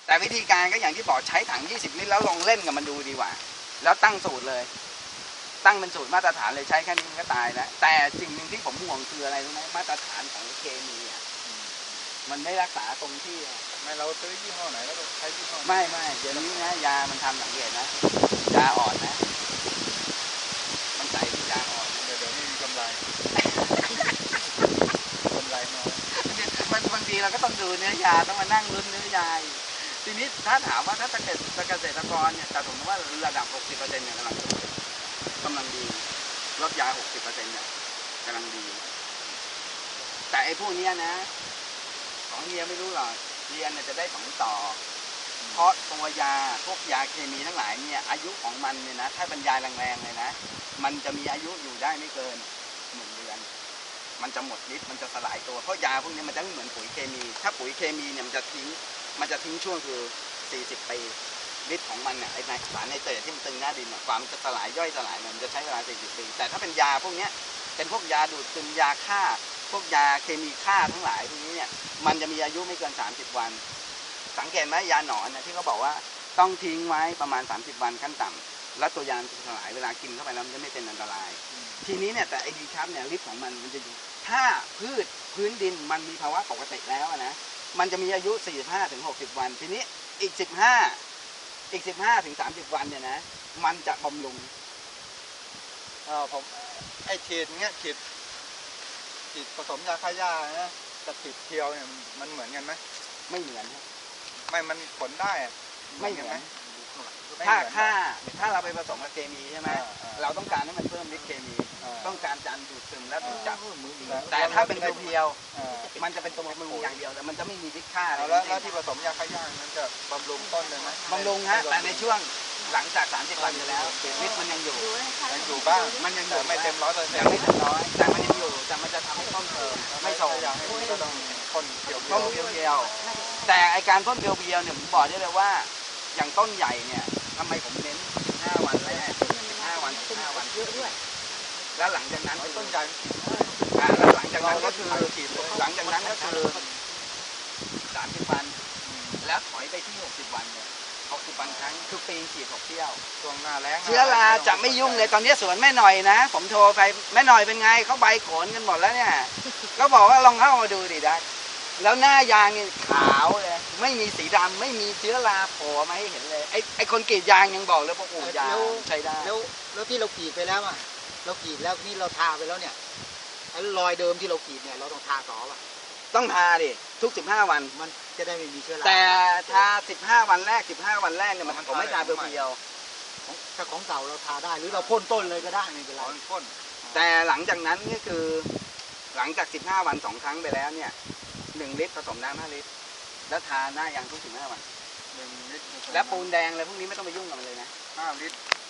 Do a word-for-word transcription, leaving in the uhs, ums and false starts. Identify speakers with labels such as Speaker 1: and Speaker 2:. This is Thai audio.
Speaker 1: แต่วิธีการก็อย่างที่บอกใช้ถังยี่สิบลิตรแล้วลองเล่นกับมันดูดีกว่าแล้วตั้งสูตรเลยตั้งเป็นสูตรมาตรฐานเลยใช้แค่นี้มันก็ตายแล้วแต่สิ่งหนึ่งที่ผมห่วงคืออะไรรู้ไหมมาตรฐานของเคมีอ่ะมันไม่รักษาตรงที่
Speaker 2: ไม่เราซื้อยี่ห้อไหนแล้วก็ใช้ยี่ห้อ
Speaker 1: ไม่ไม่เดี๋ยวนี้นะยามันทำสังเกตนะยาอ่อนนะมันใส่ที่ยาอ่อน
Speaker 2: เดี๋ยวเดี๋ยวนี้มีกำไรกำไรน้อย
Speaker 1: มันบางทีเราก็ต้องดูเนื้อยาต้องมานั่งลุ้นเนื้อยาทีนี้ถ้าถามว่าถ้าเป็นเกษตรกรเนี่ยแต่ผมว่าระดับ หกสิบเปอร์เซ็นต์ เนี่ยกำลังกำลังดีลดยา หกสิบเปอร์เซ็นต์ เนี่ยกำลังดีแต่ไอ้พวกนี้นะของเฮียไม่รู้หรอกเรียนเนี่ยจะได้สองต่อเพราะตัวยาพวกยาเคมีทั้งหลายเนี่ยอายุของมันเนี่ยนะถ้าบรรยายแรงๆเลยนะมันจะมีอายุอยู่ได้ไม่เกินหนึ่งเดือนมันจะหมดฤทธิ์มันจะสลายตัวเพราะยาพวกนี้มันจะไม่เหมือนปุ๋ยเคมีถ้าปุ๋ยเคมีเนี่ยมันจะทิ้งมันจะทิ้งช่วงคือสี่สิบปีฤทธิ์ของมันเนี่ยไอ้สารไนเตรตที่มันตึงหน้าดินความจะสลายย่อยสลายมันจะใช้เวลาสี่สิบปีแต่ถ้าเป็นยาพวกนี้เป็นพวกยาดูดซึมยาฆ่าพวกยาเคมีฆ่าทั้งหลายพวกนี้เนี่ยมันจะมีอายุไม่เกินสามสิบวันสังเกตไหมยาหนอนเนี่ยที่เขาบอกว่าต้องทิ้งไว้ประมาณสามสิบวันขั้นต่ำแล้วตัวยาจะสลายเวลากินเข้าไปแล้วมันจะไม่เป็นอันตรายทีนี้เนี่ยแต่ไอดีครับเนี่ยฤทธิ์ของมันมันจะอยู่ถ้าพืชพื้นดินมันมีภาวะปกติแล้วนะมันจะมีอายุสี่สิบห้าถึงหกสิบวันทีนี้อีกสิบห้าอีกสิบห้าถึงสามสิบวันเนี่ยนะมันจะบำรุง
Speaker 2: อ่าผมไอฉีดเงี้ยฉีดฉีดผสมยาฆ่าหญ้านะกับฉีดเทียวเนี่ยมันเหมือนกันไหม
Speaker 1: ไม่เหมือน
Speaker 2: ไม่มันผลได้
Speaker 1: ไม่เหมือนถ้าถ้าถ้าเราไปผสมกับเคมีใช่ไหมเราต้องการให้มันเพิ่มฤทธิ์เคมีต้องการการดูดซึมและดูดจับแต่ถ้าเป็นเพียวๆมันจะเป็นตัวบำรุงอย่างเดียวแต่มันจะไม่มีฤทธิ์ฆ่า
Speaker 2: แล้วแล้วที่ผสมยาฆ่าหญ้านั้นจะบำรุงต้นเลยไหม
Speaker 1: บำรุงฮะแต่ในช่วงหลังจากสามสิบวันไปแล้วฤทธิ์มันยังอยู่
Speaker 2: ยังอยู่บ้าง
Speaker 1: มันยังอยู่
Speaker 2: ไม่เต็มร้อยเปอร์เซ็นต์
Speaker 1: ยังไม่เต็มร้อยแต่มันยังอยู่แต่มันจะทำให้ต้นไม่โต
Speaker 2: อย่างให้ก็ต้องพ่นเพียว
Speaker 1: ต้นเพียวๆแต่ไอการพ่นเพียวๆเนี่ยผมบอกได้เลยว่าอย่างต้นใหญ่เนี่ยทำไมผมเน้นสิบห้าวันแรกสิบห้าวันสิบห้าวันเยอะด้วยแล้วหลังจากนั้น
Speaker 2: ต้นใหญ่
Speaker 1: แล้วหลังจากนั้นก็คือหลังจากนั้นก็คือสามสิบวันแล้วถอยไปที่หกสิบวันเนี่ยหกสิบวันครั้งคือปีฉีดหกเที่ยว
Speaker 2: ช่วงหน้าแล้ง
Speaker 1: เชื้อราจะไม่ยุ่งเลยตอนนี้สวนแม่หน่อยนะผมโทรไปแม่หน่อยเป็นไงเขาใบขนกันหมดแล้วเนี่ยก็บอกว่าลองเข้ามาดูดิได้แล้วหน้ายางนี่ขาวเลยไม่มีสีดำไม่มีเชื้อราโผล่มาให้เห็นเลยไอ้ไอ้คนกรีดยางยังบอกเลยว่าโอ้ยางใช้ได้
Speaker 3: แล้วแล้วที่เรากรีดไปแล้วอ่ะเรากรีดแล้วนี่เราทาไปแล้วเนี่ยไอ้รอยเดิมที่เรากรีดเนี่ยเราต้องทาต่อป่ะ
Speaker 1: ต้องทาดิทุกสิบห้าวัน
Speaker 3: มันจะได้ไม่มีเชื้อรา
Speaker 1: แต่ทาสิบห้าวันแรกสิบห้าวันแรกเนี่ยมันผมไม่ทาเพียว
Speaker 3: ๆถ้าของเก่าเราทาได้หรือเราพ่นต้นเลยก็ได้ไม่เป็นไร
Speaker 2: พ่น
Speaker 1: แต่หลังจากนั้นนี่คือหลังจากสิบห้าวันสองครั้งไปแล้วเนี่ยหนึ่งลิตรผสมน้ำห้าลิตรแล้วทาหน้ายางทุกสิบห้าวัน
Speaker 2: หนึ่งลิตร
Speaker 1: แล้วปูนแดงอะไรพวกนี้ไม่ต้องไปยุ่งกับมันเลยนะ
Speaker 2: ห้าลิตร